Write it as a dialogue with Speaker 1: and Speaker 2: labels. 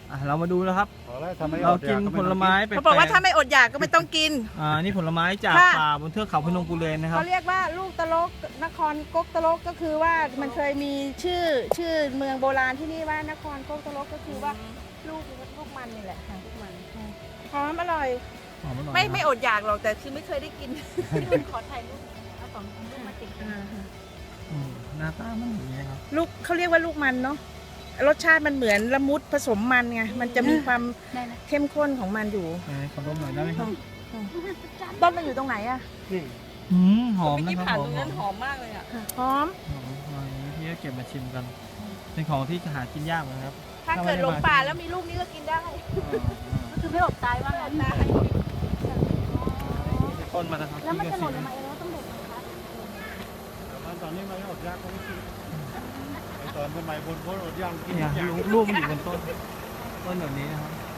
Speaker 1: เรามาดูนะครับ
Speaker 2: พอแล้วทำไม
Speaker 1: เรากินผลไม้แปลกๆ
Speaker 3: เขาบอกว่าถ้าไม่อดอยากก็ไม่ต้องกิน
Speaker 1: นี่ผลไม้จาก
Speaker 3: ค่ะ
Speaker 1: ป่าบนเทือกเขาพนมกุเลนนะครับ
Speaker 3: เขาเรียกว่าลูกตะลกนครกกตะลกก็คือว่ามันเคยมีชื่อเมืองโบราณที่นี่ว่านครกกตะลกก็คือว่าลูกมันนี่แหละค่ะลูกมันหอมอร่อย
Speaker 1: หอมอร่อย
Speaker 3: ไม่อดอยากหรอกแต่คือไม่เคยได้กินขอถ่ายรูปเอาสองลูกมาติด
Speaker 1: หน้าตามันอย่างนี้ครับ
Speaker 3: ลูกเขาเรียกว่าลูกมันเนาะรสชาติมันเหมือนละมุดผสมมันไงมันจะมีความเข้มข้นของมันอยู่
Speaker 1: ขอดมหน่อยได้ไหมครับ
Speaker 3: ต้นมันอยู่ตรงไหนอะ
Speaker 1: หอมนะครับหอม
Speaker 3: หอมมากเลยอะหอม
Speaker 1: พี่ก็เก็บมาชิมกัน เป็นของที่หากินยากนะครับ
Speaker 3: ถ้าเกิดหลงป่าแล้วมีลูกนี้ก็กินได้ก็คือไม่อดตายว่างั้นนะ
Speaker 1: ต้นมานะครับ
Speaker 3: แล้วมันจะหล่นลงมาเองแล้วต้องเด็ดไหมคะ
Speaker 2: ตอนนี้มันอดยากก็ไม่กินตอนสมัยบนโพสอดยากกิน
Speaker 1: เนี่ยลูกมันอยู่บนต้นแบบนี้นะครับ